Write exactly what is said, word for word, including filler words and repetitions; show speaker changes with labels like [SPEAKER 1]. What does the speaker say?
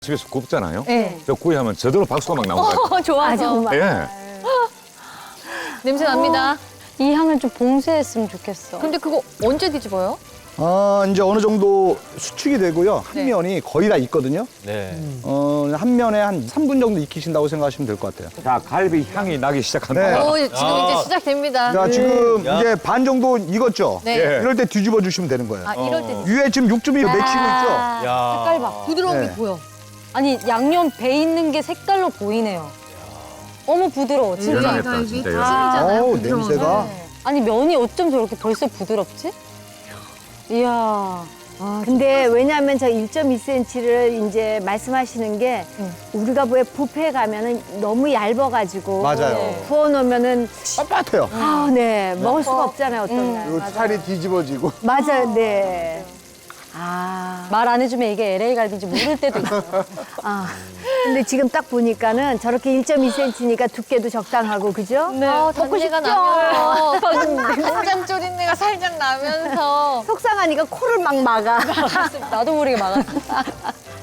[SPEAKER 1] 집에서 굽잖아요.
[SPEAKER 2] 네.
[SPEAKER 1] 저 구이하면 저절로 박수가 막 나오거든요.
[SPEAKER 2] 어, 좋아서.
[SPEAKER 3] 아, 정말.
[SPEAKER 1] 예.
[SPEAKER 2] 냄새 납니다.
[SPEAKER 3] 이 향을 좀 봉쇄했으면 좋겠어.
[SPEAKER 2] 근데 그거 언제 뒤집어요?
[SPEAKER 4] 아, 이제 어느 정도 수축이 되고요. 한
[SPEAKER 2] 네.
[SPEAKER 4] 면이 거의 다 익거든요.
[SPEAKER 5] 네.
[SPEAKER 4] 어, 한 면에 한 삼 분 정도 익히신다고 생각하시면 될 것 같아요.
[SPEAKER 1] 자, 갈비 향이 나기 시작한다.
[SPEAKER 4] 네.
[SPEAKER 2] 오, 지금
[SPEAKER 5] 아.
[SPEAKER 2] 이제 시작됩니다.
[SPEAKER 4] 자, 지금
[SPEAKER 5] 야.
[SPEAKER 4] 이제 반 정도 익었죠?
[SPEAKER 2] 네.
[SPEAKER 1] 예.
[SPEAKER 4] 이럴 때 뒤집어 주시면 되는 거예요.
[SPEAKER 2] 아, 이럴 때
[SPEAKER 4] 위에 지금 육즙이 맺히고 있죠?
[SPEAKER 3] 아,
[SPEAKER 5] 야.
[SPEAKER 3] 색깔 봐.
[SPEAKER 2] 부드러운
[SPEAKER 4] 네.
[SPEAKER 2] 게 보여.
[SPEAKER 3] 아니 양념 배 있는 게 색깔로 보이네요. 어머 부드러워 진짜.
[SPEAKER 1] 연하겠다, 진짜. 연하.
[SPEAKER 2] 찐이잖아요.
[SPEAKER 4] 어우,
[SPEAKER 2] 부드러운
[SPEAKER 4] 냄새가.
[SPEAKER 2] 거.
[SPEAKER 3] 네. 아니 면이 어쩜 저렇게 벌써 부드럽지? 이야.
[SPEAKER 6] 근데 왜냐하면 저 일 점 이 센티미터를 이제 말씀하시는 게
[SPEAKER 3] 응.
[SPEAKER 6] 우리가 왜 뷔페 가면은 너무 얇아가지고
[SPEAKER 4] 맞아요.
[SPEAKER 6] 네. 구워놓으면은
[SPEAKER 4] 빳빳해요.
[SPEAKER 6] 아, 네 먹을 수가 없잖아요 어떤 날.
[SPEAKER 4] 요 살이 뒤집어지고.
[SPEAKER 6] 맞아요, 네. 아,
[SPEAKER 3] 말 안 해주면 이게 엘에이 갈비인지 모를 때도 있어.
[SPEAKER 6] 아. 근데 지금 딱 보니까는 저렇게 일 점 이 센티미터니까 두께도 적당하고 그죠?
[SPEAKER 3] 네.
[SPEAKER 2] 아,
[SPEAKER 3] 먹고
[SPEAKER 2] 단내가
[SPEAKER 3] 싶죠?
[SPEAKER 2] 나면서 간장 졸인내가 살짝 나면서
[SPEAKER 6] 속상하니까 코를 막 막아.
[SPEAKER 3] 나도 모르게 막았어.